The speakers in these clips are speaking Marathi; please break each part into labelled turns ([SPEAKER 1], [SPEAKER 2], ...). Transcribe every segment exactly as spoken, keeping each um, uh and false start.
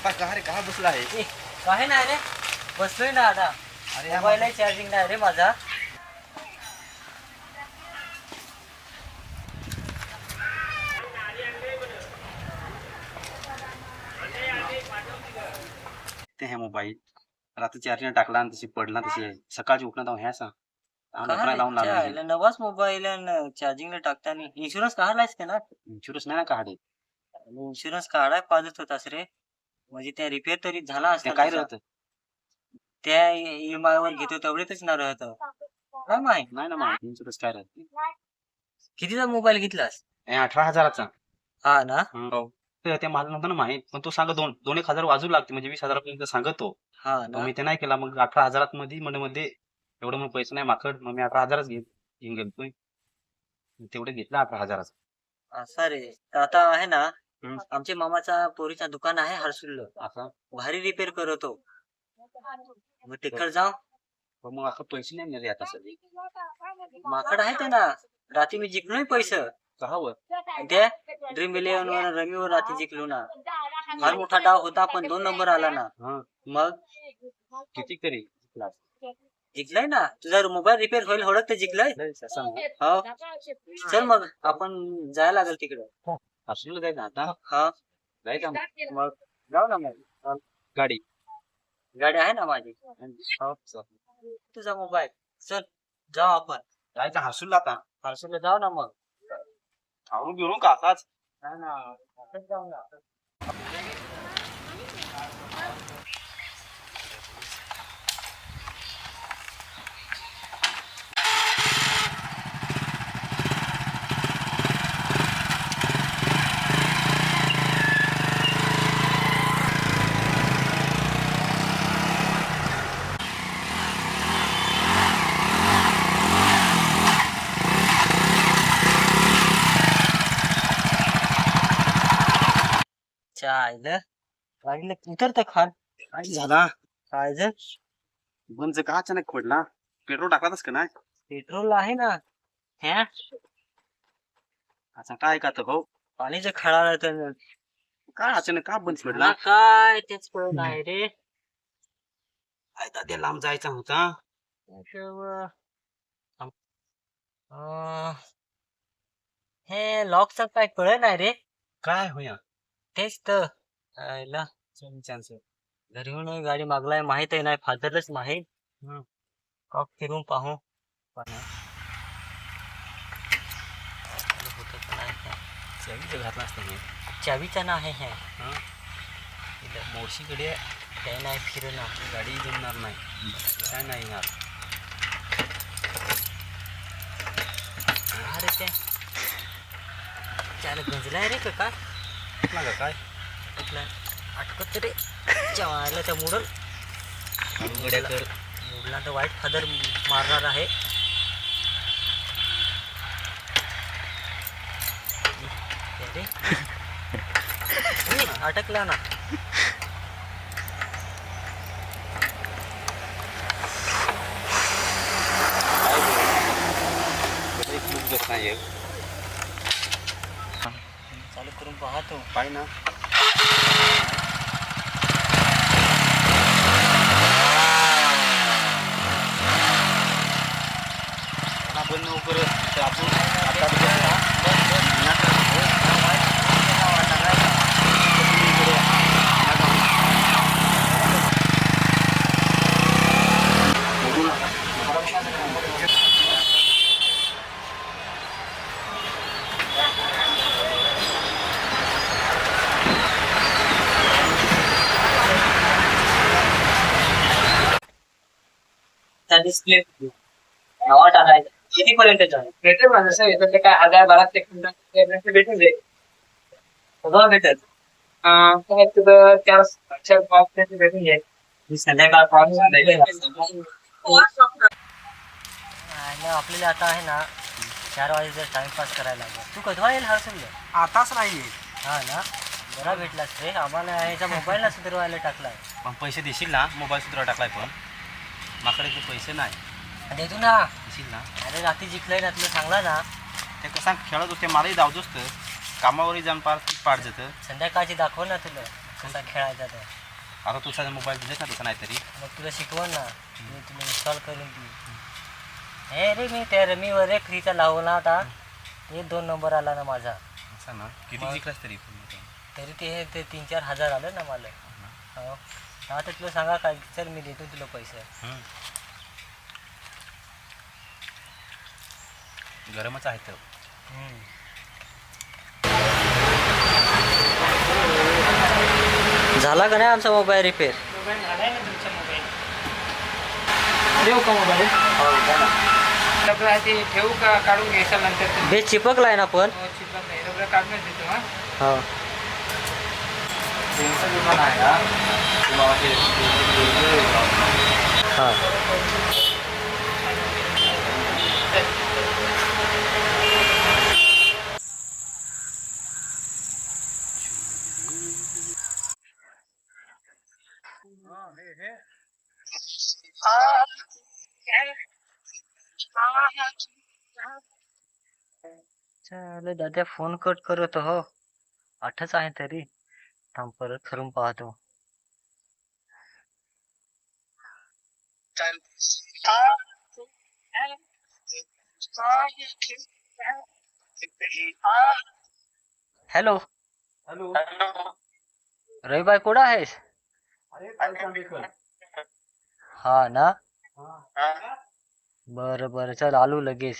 [SPEAKER 1] आता का रे का बसला आहे?
[SPEAKER 2] ए, काही नाही रे, बसलोय ना आता.
[SPEAKER 1] अरे
[SPEAKER 2] मोबाईल चार्जिंग नाही रे माझा.
[SPEAKER 1] ते है मोबाईल रात्री चार्जिंग टाकला आणि तशी पडला तशी आहे. सकाळची उठणं ह्या सांग
[SPEAKER 2] काय
[SPEAKER 1] लावून
[SPEAKER 2] रे,
[SPEAKER 1] लागला.
[SPEAKER 2] नवाच मोबाईल चार्जिंगला टाकताना इन्शुरन्स काढलायस का ना?
[SPEAKER 1] इन्शुरन्स नाही ना काढे.
[SPEAKER 2] इन्शुरन्स काढाय पाहिजेत होतास रे. म्हणजे त्या रिपेअर तरी झाला
[SPEAKER 1] ते
[SPEAKER 2] असता
[SPEAKER 1] काय
[SPEAKER 2] तुझा.
[SPEAKER 1] राहतं
[SPEAKER 2] त्या ईएमआय वर घेतो तेवढेच ना राहत. काय माहित
[SPEAKER 1] नाही ना मग इन्शुरन्स काय राहत.
[SPEAKER 2] कितीचा मोबाईल घेतलास?
[SPEAKER 1] अठरा हजाराचा.
[SPEAKER 2] हा ना.
[SPEAKER 1] हो ते ते माझं नव्हतं ना माहित, पण तो सांगत दोन दोन एक हजार वाजू लागते म्हणजे वीस हजारापर्यंत सांगत तो.
[SPEAKER 2] हा
[SPEAKER 1] मग
[SPEAKER 2] ना.
[SPEAKER 1] मी ते नाही केला. मग अठरा हजारात मध्ये मध्ये मध्ये एवढं मग पैसे नाही माकड. मग मी अठरा हजारच घेऊन घेऊन गेलतोय. तेवढे घेतला अठरा हजाराचा.
[SPEAKER 2] असा रे. तर आता आहे ना,
[SPEAKER 1] हम्म.
[SPEAKER 2] आमच्या मामाचा पोरीचा दुकान आहे हरसुल.
[SPEAKER 1] असा
[SPEAKER 2] भारी रिपेअर करतो. मग तिकडे जाऊ.
[SPEAKER 1] पण मग असं पैसे नाही रे आता सध्या.
[SPEAKER 2] माकड आहे ते ना. रात्री मी जिंकलोय पैसे.
[SPEAKER 1] सहावं
[SPEAKER 2] त्या ड्रीम इलेव्हन वर रमीवर रात्री जिंकलो ना. फार मोठा डाव होता पण दोन नंबर आला ना.
[SPEAKER 1] हा
[SPEAKER 2] मग
[SPEAKER 1] किती तरी
[SPEAKER 2] जिंकलाय ना. तुझा मोबाईल रिपेअर होईल होडत तर जिंकलाय. हो. चल मग आपण जायला लागेल तिकडे.
[SPEAKER 1] हर्षूला जायचं आता.
[SPEAKER 2] हा
[SPEAKER 1] जायचं मग.
[SPEAKER 2] मग जाऊ ना मग.
[SPEAKER 1] गाडी
[SPEAKER 2] गाडी आहे ना माझी.
[SPEAKER 1] हो, चल.
[SPEAKER 2] तुझा मोबाईल. चल जाऊ आपण.
[SPEAKER 1] जायचं हर्षूला आता.
[SPEAKER 2] हर्षुला जाऊ ना मग.
[SPEAKER 1] खाऊन घेऊन का आताच.
[SPEAKER 2] नाही ना आपण जाऊ ना. चायलं गाडीला उतरत खान.
[SPEAKER 1] काय झाला
[SPEAKER 2] काय जर
[SPEAKER 1] बंद का अचानक खोडला. पेट्रोल टाकलाच का नाही.
[SPEAKER 2] पेट्रोल आहे ना. ह्या
[SPEAKER 1] अच्छा काय का हो
[SPEAKER 2] पाणीचं खळाला तर
[SPEAKER 1] काय अचानक का बंद
[SPEAKER 2] मला
[SPEAKER 1] पडला.
[SPEAKER 2] काय तेच कळत आहे रे.
[SPEAKER 1] काय दाद्या लांब जायचा होता.
[SPEAKER 2] त्याच्यावर अं, हे लॉकचं काय कळत नाही रे.
[SPEAKER 1] काय होया
[SPEAKER 2] तेच तर आयला
[SPEAKER 1] चान्स.
[SPEAKER 2] घरी येऊन गाडी मागलाय माहित आहे नाही फादरलाच माहित.
[SPEAKER 1] हम्म.
[SPEAKER 2] कॉक फिरून पाहू पण होतं का नाही काय.
[SPEAKER 1] चावीचं घातला असतं हे.
[SPEAKER 2] चावीचा ना आहे हे.
[SPEAKER 1] हा मावशीकडे
[SPEAKER 2] काय नाही फिरणार.
[SPEAKER 1] गाडी जमणार नाही. काय नाही येणार.
[SPEAKER 2] अरे ते त्याला गंजलाय रे का काय.
[SPEAKER 1] कुठला का काय
[SPEAKER 2] कुठला अटकत रे जेवायला त्या मुडल
[SPEAKER 1] गड्या कर.
[SPEAKER 2] मुडला तर वाईट फादर मारणार आहे. अरे ए, अटकला ना.
[SPEAKER 1] नाही
[SPEAKER 2] चालू करून पाहतो.
[SPEAKER 1] पाय ना. आपण लवकर आपण
[SPEAKER 2] डिस्प्ले नावा टाकायचं. कितीपर्यंत भेटेल माझं सर येतं ते काय हजार बारा ते भेटून जाईल. सगळं भेटेल. काय तुझं चार चार पाच भेटून जाईल. संध्याकाळ पाऊस आपल्याला आता आहे ना चार वाजे टाइमपास करायला लागेल. तू कधवा येईल हरसून
[SPEAKER 1] आताच नाही.
[SPEAKER 2] हा ना बरा भेटलास रे. आम्हाला ह्याचा मोबाईलला सुधारवायला टाकलाय.
[SPEAKER 1] पण पैसे देशील ना. मोबाईल सुद्धा टाकलाय पण माझ्याकडे ते पैसे नाही.
[SPEAKER 2] देतो ना.
[SPEAKER 1] देशील ना.
[SPEAKER 2] अरे रात्री जिंकलंय ना तुला सांगला ना.
[SPEAKER 1] ते कसं खेळत होते मलाही धावतोच तर कामावरही जाऊन पार पाठ जातं.
[SPEAKER 2] संध्याकाळची दाखव ना तुला.
[SPEAKER 3] कसा खेळायचा तो.
[SPEAKER 1] आता तू साधा मोबाईल दिलेस ना तसं नाहीतरी.
[SPEAKER 3] मग तुला शिकवण ना मी तुला इन्स्टॉल करून ती. हे रे मी त्या रमीवर रे फ्रीचा लावला होता ते दोन नंबर आला ना माझा.
[SPEAKER 1] असं ना किती जिंकलास तरी
[SPEAKER 3] तरी ते हे ते तीन चार हजार आलं ना मला. हो आता तुला सांगा काय चल मी देतो तुला पैसे.
[SPEAKER 1] गरमच आहे तर.
[SPEAKER 3] झाला का नाही आमचा मोबाईल रिपेअर.
[SPEAKER 2] मोबाईल झालाय ना तुमचा मोबाईल. देऊ का मोबाईल. रबर आहे ते ठेवू का काढून घ्यायचा नंतर.
[SPEAKER 3] बेस चिपकलाय ना पण.
[SPEAKER 2] हो चिपक नाही रबर काढूनच देतो. हा
[SPEAKER 3] हो
[SPEAKER 1] दुकान आहे का
[SPEAKER 3] हां चल दादा फोन कट करत हो. आठच आहे तरी थांब परत करून पाहतो. Hello
[SPEAKER 1] hello.
[SPEAKER 3] रविबाई कुठं आहेस. हा ना बरं बरं चल आलो लगेच.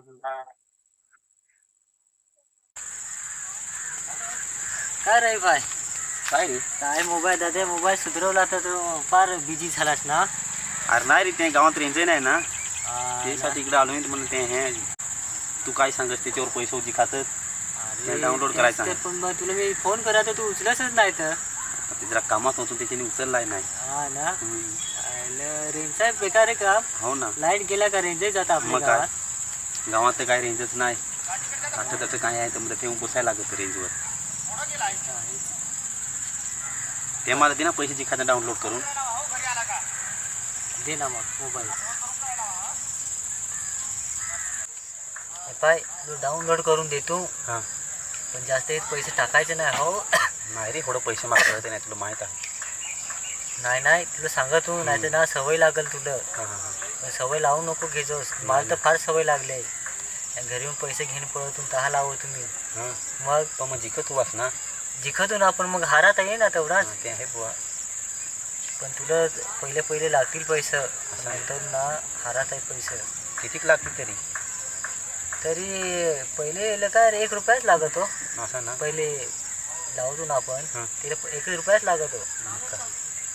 [SPEAKER 3] काय रविबाई
[SPEAKER 1] काय रे.
[SPEAKER 3] काय मोबाईल दादा मोबाईल सुधरवला तर तू फार बिझी झालास ना.
[SPEAKER 1] अरे नाही रे ते गावात रेंज नाही ना
[SPEAKER 3] हा
[SPEAKER 1] त्यासाठी इकडे आलो मी म्हणून ते हे तू काय सांगस त्याच्यावर पैसे होती खातात
[SPEAKER 3] ना.
[SPEAKER 1] ते डाउनलोड करायचं आहे.
[SPEAKER 3] तेच तर पण मग तुला मी फोन करा तर तू उचलतच नाही तर.
[SPEAKER 1] ते जरा कामात होतो त्याच्याने उचललाय नाही.
[SPEAKER 3] हा ना रेंजचा बेकार आहे काम.
[SPEAKER 1] हो ना
[SPEAKER 3] लाईट गेला का रेंजही जाता आपल्या
[SPEAKER 1] मग काय
[SPEAKER 3] गावात.
[SPEAKER 1] गावात तर काय रेंजच नाही. आता त्याचं काय आहे तर मला ठेवून बसायला लागत रेंजवर. ते मला दे ना पैशाची खातं डाउनलोड करून.
[SPEAKER 3] दे ना मग मोबाईल. पाय तू डाउनलोड करून देतो.
[SPEAKER 1] हां
[SPEAKER 3] पण जास्त पैसे टाकायचे नाही हो.
[SPEAKER 1] नाही रे थोडं पैसे मागता नाही तुला माहीत आहे.
[SPEAKER 3] नाही नाही तुला सांगा तू नाही तर ना सवय लागेल तुला.
[SPEAKER 1] हां हां हां
[SPEAKER 3] पण सवय लावू नको घेजोस. मला तर फार सवय लागली आहे. घरी येऊन पैसे घेऊन पळतून तहा लावू तुम्ही.
[SPEAKER 1] हां
[SPEAKER 3] मग
[SPEAKER 1] पण मग जिकत तू वाच ना.
[SPEAKER 3] जिखतून आपण मग हारात आहे ना तेवढाच.
[SPEAKER 1] ते आहे बुवा.
[SPEAKER 3] पण तुला पहिले पहिले लागतील पैसे नंतर ना हारात आहे पैसे.
[SPEAKER 1] कितीक लागतील तरी.
[SPEAKER 3] तरी पहिले काय रे एक रुपयाच लागत हो.
[SPEAKER 1] असं ना
[SPEAKER 3] पहिले लावतो ना आपण
[SPEAKER 1] हां
[SPEAKER 3] तिला एक रुपयाच लागत हो.
[SPEAKER 1] मग काय.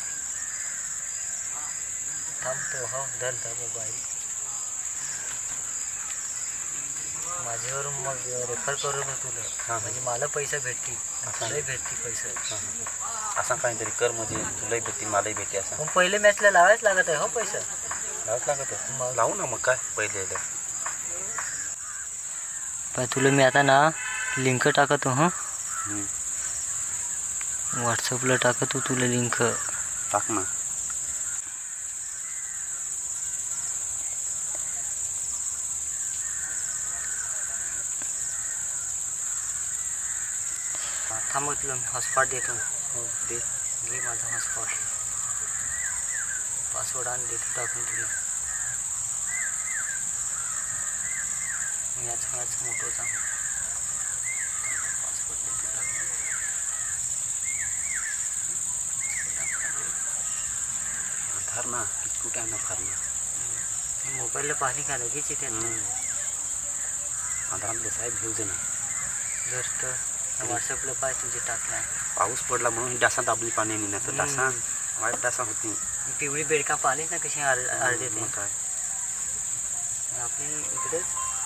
[SPEAKER 3] थांबतो हो धर धर मोबाईल माझ्यावरून मग रेफर करून तुला.
[SPEAKER 1] हां
[SPEAKER 3] म्हणजे मला पैसे भेटतील
[SPEAKER 1] असं
[SPEAKER 3] तुलाही भेटतील पैसे.
[SPEAKER 1] असं काहीतरी कर म्हणजे तुलाही भेटतील मलाही भेटते असं.
[SPEAKER 3] पण पहिले मॅचला लावायच लागत आहे हो पैसे.
[SPEAKER 1] लावच लागत
[SPEAKER 3] मग
[SPEAKER 1] लावू ना मग काय पहिले
[SPEAKER 3] पाय तुला मी आता ना लिंक टाकतो हां. व्हॉट्सअपला टाकतो तुला लिंक.
[SPEAKER 1] टाक ना.
[SPEAKER 3] थांब तुला मी हॉटस्पॉट देतो. हो दे घे माझा हॉटस्पॉट. पासवर्ड आणि देतो टाकून तुला. याच याच मोठोचा पासवर्ड देतो टाकून.
[SPEAKER 1] धर ना कुठे आहे ना फार ना.
[SPEAKER 3] मोबाईलला पाणी का लगेच येते
[SPEAKER 1] आधारात साहेब घेऊ दे ना.
[SPEAKER 3] जर तर व्हॉट्सअपला पाय तुझे टाकला.
[SPEAKER 1] पाऊस पडला म्हणून डासा दाबली पाणी नाही तर डासा वाईट डासा होती.
[SPEAKER 3] पिवळी बेडका पाणी ना कशी आर आरडे
[SPEAKER 1] मग काय.
[SPEAKER 3] आपली इकडेच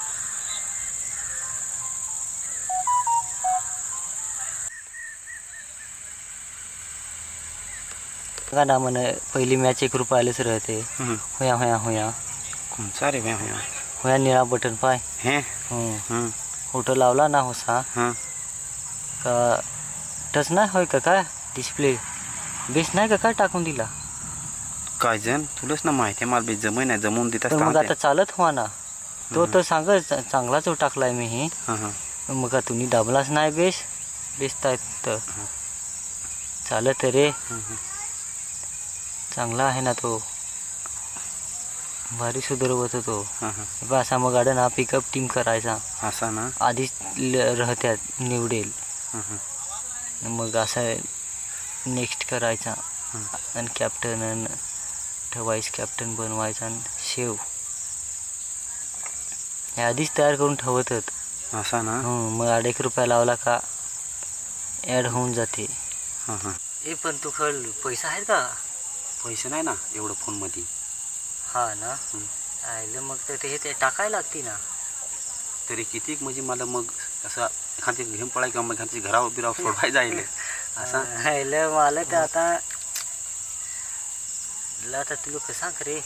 [SPEAKER 3] का ना म्हणे पहिली मॅच एक रुपयालाच राहते. होया होया होया
[SPEAKER 1] कोणचा रे व्या होया
[SPEAKER 3] होया निळा बटन पाय.
[SPEAKER 1] हे
[SPEAKER 3] हं फोटो लावला ना होसा
[SPEAKER 1] हां
[SPEAKER 3] का टच नाही होय का काय डिस्प्ले बेस नाही का काय टाकून दिला.
[SPEAKER 1] काय जण तुलाच ना माहिती आहे मला बी जमय नाही जमवून देत
[SPEAKER 3] पण मग आता चालत हो ना तो तर सांग चांगलाच टाकलाय मी हे.
[SPEAKER 1] हां हां
[SPEAKER 3] मग का तुम्ही दाबलाच नाही बेस बेस टाईप तर चालत रे,
[SPEAKER 1] हं, हं.
[SPEAKER 3] चांगला आहे ना तो, भारी सुधरवत तो.
[SPEAKER 1] हां हां
[SPEAKER 3] बा असा मग गाडन हा पिकअप टीम करायचा,
[SPEAKER 1] असा ना.
[SPEAKER 3] आधीच ल- राहत्यात निवडेल,
[SPEAKER 1] हं, हं.
[SPEAKER 3] मग असं नेक्स्ट करायचा
[SPEAKER 1] हं.
[SPEAKER 3] आणि कॅप्टन आणि वाईस कॅप्टन बनवायचा आणि शेव हे आधीच तयार करून ठेवतात.
[SPEAKER 1] असा ना.
[SPEAKER 3] हं, मग आठ एक रुपया लावला का ॲड होऊन जाते.
[SPEAKER 1] हां हां
[SPEAKER 3] ए पण तू खल पैसा आहेत का?
[SPEAKER 1] पैसे नाही ना एवढं फोनमध्ये.
[SPEAKER 3] हा ना.
[SPEAKER 1] हं.
[SPEAKER 3] आयलं मग तर ते हे ते टाकायला लागते ना.
[SPEAKER 1] तरी किती म्हणजे मला मग असं एखादी घेऊन पळाय किंवा मग एखादी घरावर बिरावर सोडवाय जाईल असा.
[SPEAKER 3] आयलं मला तर आता ला आता तुला कसं सांग रे.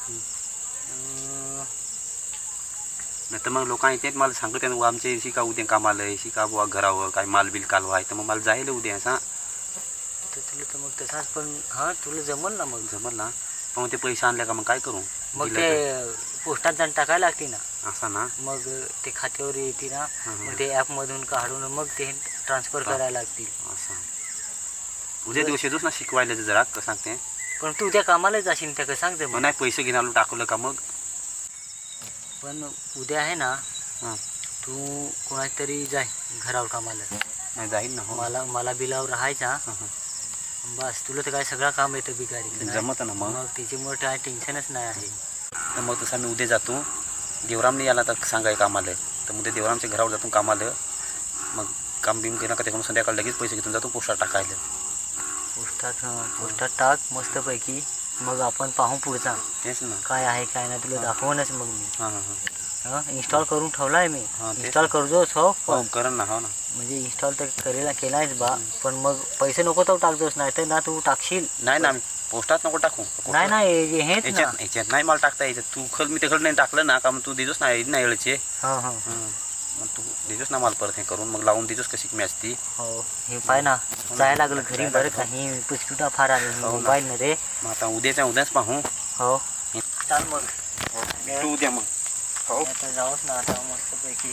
[SPEAKER 3] अं,
[SPEAKER 1] नाही तर मग लोकांना येते मला सांगत आहे आमच्या इशी का उद्या कामाला इशी का बुवा घरावर काय माल बिल कालवा आहे तर मग मला जायला उद्या असा.
[SPEAKER 3] तर तुला तर मग तसाच पण हां तुला जमल ना मग.
[SPEAKER 1] जमल ना. पण मग ते पैसे आणले का मग काय करू.
[SPEAKER 3] मग
[SPEAKER 1] दिलं
[SPEAKER 3] ते पोस्टात जाऊन टाकायला लागते ना.
[SPEAKER 1] तर. असा ना.
[SPEAKER 3] मग ते खात्यावर येते ना.
[SPEAKER 1] हं, हं.
[SPEAKER 3] मग ते ॲपमधून काढून मग ते ट्रान्सफर करायला लागतील.
[SPEAKER 1] असं उद्या दिवस येतोच ना शिकवायला ते जरा कसं सांगते.
[SPEAKER 3] पण तू उद्या कामाला जाशील त्या कसं सांगते
[SPEAKER 1] मग
[SPEAKER 3] मग.
[SPEAKER 1] नाही पैसे घेऊन आलो टाकलं का मग.
[SPEAKER 3] पण उद्या आहे ना
[SPEAKER 1] हां
[SPEAKER 3] तू कोणाची तरी जाय घरावर कामाला.
[SPEAKER 1] नाही जाईल ना. हो
[SPEAKER 3] मला मला बिलावर राहायचा.
[SPEAKER 1] हं, हं.
[SPEAKER 3] बस तुला तर काय सगळं काम येतं बिगारी.
[SPEAKER 1] जमत ना मग.
[SPEAKER 3] मग त्याच्यामुळे काय टेन्शनच नाही आहे.
[SPEAKER 1] तर मग तसं मी उद्या जातो. देवराम नाही आला तर सांगाय कामाला तर मग ते देवरामच्या घरावर जातो कामाला. मग काम बिम केलं का त्याकडून संध्याकाळ लगेच पैसे घेऊन जातो पोस्टात टाकायला.
[SPEAKER 3] पोस्टात पोस्टात टाक मस्तपैकी. मग आपण पाहू पुढचा
[SPEAKER 1] तेच ना.
[SPEAKER 3] काय आहे काय नाही तुला दाखवूनच मग मी.
[SPEAKER 1] हां हां हां
[SPEAKER 3] हां इन्स्टॉल करून ठेवला आहे मी.
[SPEAKER 1] हां तेच
[SPEAKER 3] इन्स्टॉल
[SPEAKER 1] ना.
[SPEAKER 3] करतोच हो.
[SPEAKER 1] हो करण ना. हो ना.
[SPEAKER 3] म्हणजे इन्स्टॉल तर करेला केलायच बा. पण मग पैसे नको तर टाकतोस नाही तर ना तू टाकशील.
[SPEAKER 1] नाही ना पोस्टात नको टाकू.
[SPEAKER 3] नाही नाही हेच ना.
[SPEAKER 1] याच्यात याच्यात नाही मला टाकता याच्यात तू खल मी तिकडं नाही टाकलं ना का मग तू देतोस ना नाही वेळेचे.
[SPEAKER 3] हां हां
[SPEAKER 1] मग तू देतोस ना मला परत हे करून मग लावून देतोस कशी मी असती.
[SPEAKER 3] हो हे पाय ना जायला लागलं घरी बरं का. ही पुसकुटा फार आली
[SPEAKER 1] हो ना.
[SPEAKER 3] मोबाईल ना रे.
[SPEAKER 1] मग आता उद्याच्या उद्याच पाहू.
[SPEAKER 3] हो चाल मग.
[SPEAKER 1] तू उद्या मग. हो
[SPEAKER 3] आता जाऊच ना आता मस्तपैकी.